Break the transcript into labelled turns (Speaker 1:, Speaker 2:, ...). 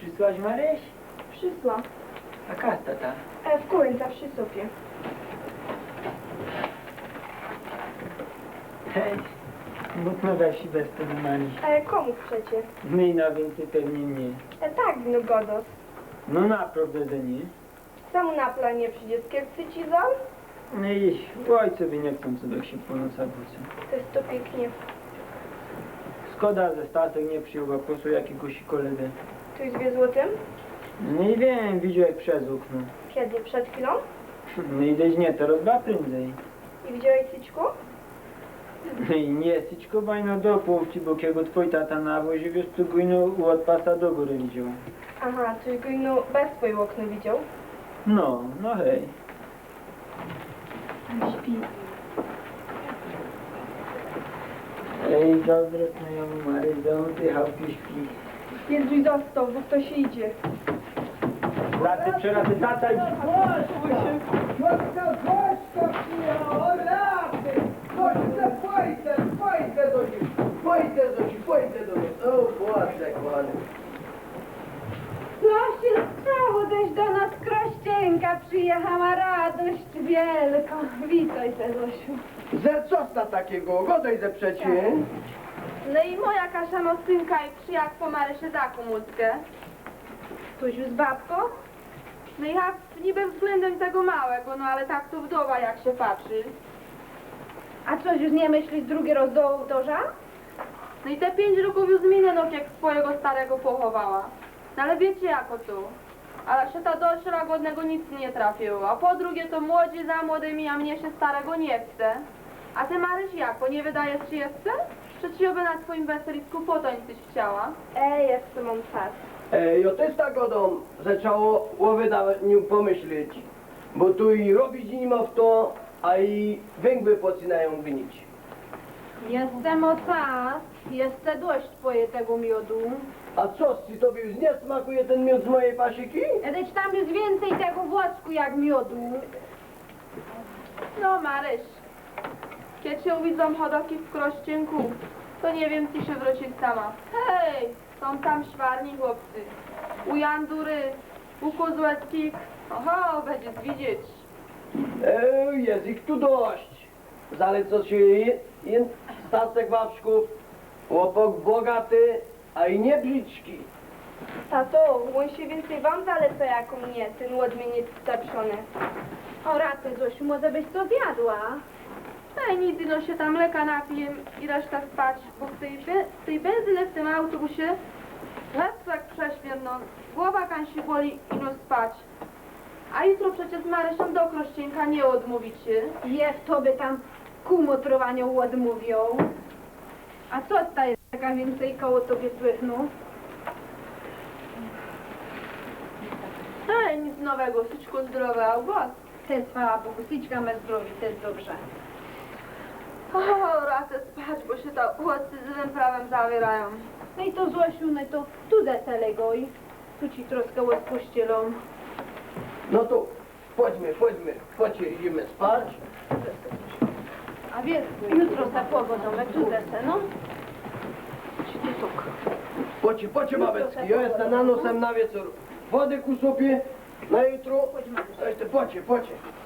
Speaker 1: przysłaś, Maryś?
Speaker 2: Przysła.
Speaker 1: A kasta ta?
Speaker 2: W końca przy sofie.
Speaker 1: Hej, mocno wesi bez tego Maryś.
Speaker 2: Komu przecie?
Speaker 1: My na więcej pewnie nie.
Speaker 2: Tak, no godos.
Speaker 1: No naprawdę, że nie.
Speaker 2: Sam na planie przyjdzie z ci zon?
Speaker 1: No i ojcowie nie chcą sobie się po nocach wrócą.
Speaker 2: To jest to pięknie.
Speaker 1: Szkoda, że Stasek nie przyjął głosu jakiegoś kolegę.
Speaker 2: Tu jest 2 złotym?
Speaker 1: No i wiem, widział jak przez okno.
Speaker 2: Kiedy? Przed chwilą?
Speaker 1: No i deś nie, teraz dwa prędzej.
Speaker 2: I widziałeś Syćku?
Speaker 1: No i nie, Syćko bajno do półci, bo kiego twój tata na wozie, wiesz, tu gujno od pasa do góry widział.
Speaker 2: Aha, czyli go no bez swojego okna widział.
Speaker 1: No, no hej.
Speaker 2: Śpi.
Speaker 1: Ej, dobra, no ja mu Mary, ty chałki śpi.
Speaker 2: Jędruj został, bo ktoś idzie.
Speaker 1: Laty, przeraty, tata i...
Speaker 3: Co się stało? Też do nas Krościenka przyjechała, radość wielka. Witaj se, Zosiu.
Speaker 4: Ze co sta takiego? Godaj ze przecie.
Speaker 3: No i moja Kasia no synka i przyjak po Marysie taką łódkę. Tuś z babką? No i ja niby względem tego małego, no ale tak to wdowa jak się patrzy. A coś już nie myślisz drugi raz do ołtarza? No i te 5 roków już minęło, jak swojego starego pochowała. No ale wiecie jako to. Ale się ta dość łagodnego nic nie trafiło. A po drugie to młodzi za młodymi, a mnie się starego nie chce. A ty Maryś jako, nie wydajesz ci jeszcze? Czy ci oby na twoim weselisku potańczyć chciała?
Speaker 2: Jeszcze mam czas.
Speaker 4: Jo ty z tagodą zaczęło o wydawaniu pomyśleć. Bo tu i robić nie ma w to, a i węgły zaczynają gnić.
Speaker 3: Jestem o czas, jeszcze dość twoje tego miodu.
Speaker 4: A co, czy tobie już nie smakuje ten miód z mojej pasiki?
Speaker 3: Edeć tam jest więcej tego włosku jak miodu. No Maryś, kiedy się widzą hodowki w Krościenku, to nie wiem, czy się wrócić sama. Hej, są tam szwarni chłopcy. U Jandury, u Kozłeckich, oho, będzie widzieć.
Speaker 4: Jest ich tu dość. Zaleco się Stasek Wawrzków, łopok bogaty, a i nie brzydki.
Speaker 2: Tato, on się więcej wam zaleca jako mnie, ten łodmieniec starszony.
Speaker 3: O raty, Zosiu, może byś to zjadła? Ej, nic, no się tam mleka napiję i reszta spać, bo w tej benzyny w tym autobusie lecz jak prześmier, no, głowa kan się boli i no spać. A jutro przecież z Marysią do Krościenka nie odmówicie. Jest to by tam kumotrowaniu odmówią. A co ta jest taka więcej koło tobie słychną? Ej, nic nowego, Syćko zdrowe, a u was? Te chwała Bogu, Syćka me zdrowi, to jest dobrze. O, racę spać, bo się ta chłopcy z tym prawem zawierają. No i to Zosiu, no i to tu deselego i tu ci troszkę odpuścilą.
Speaker 4: No to chodźmy, idziemy spać.
Speaker 3: A wiesz, jutro za pogodą, tu desę, no. Ci tu sok.
Speaker 4: Pocie babecki, ja jestem na nosem na wieczór. Wody ku sobie na jutro. Pocie.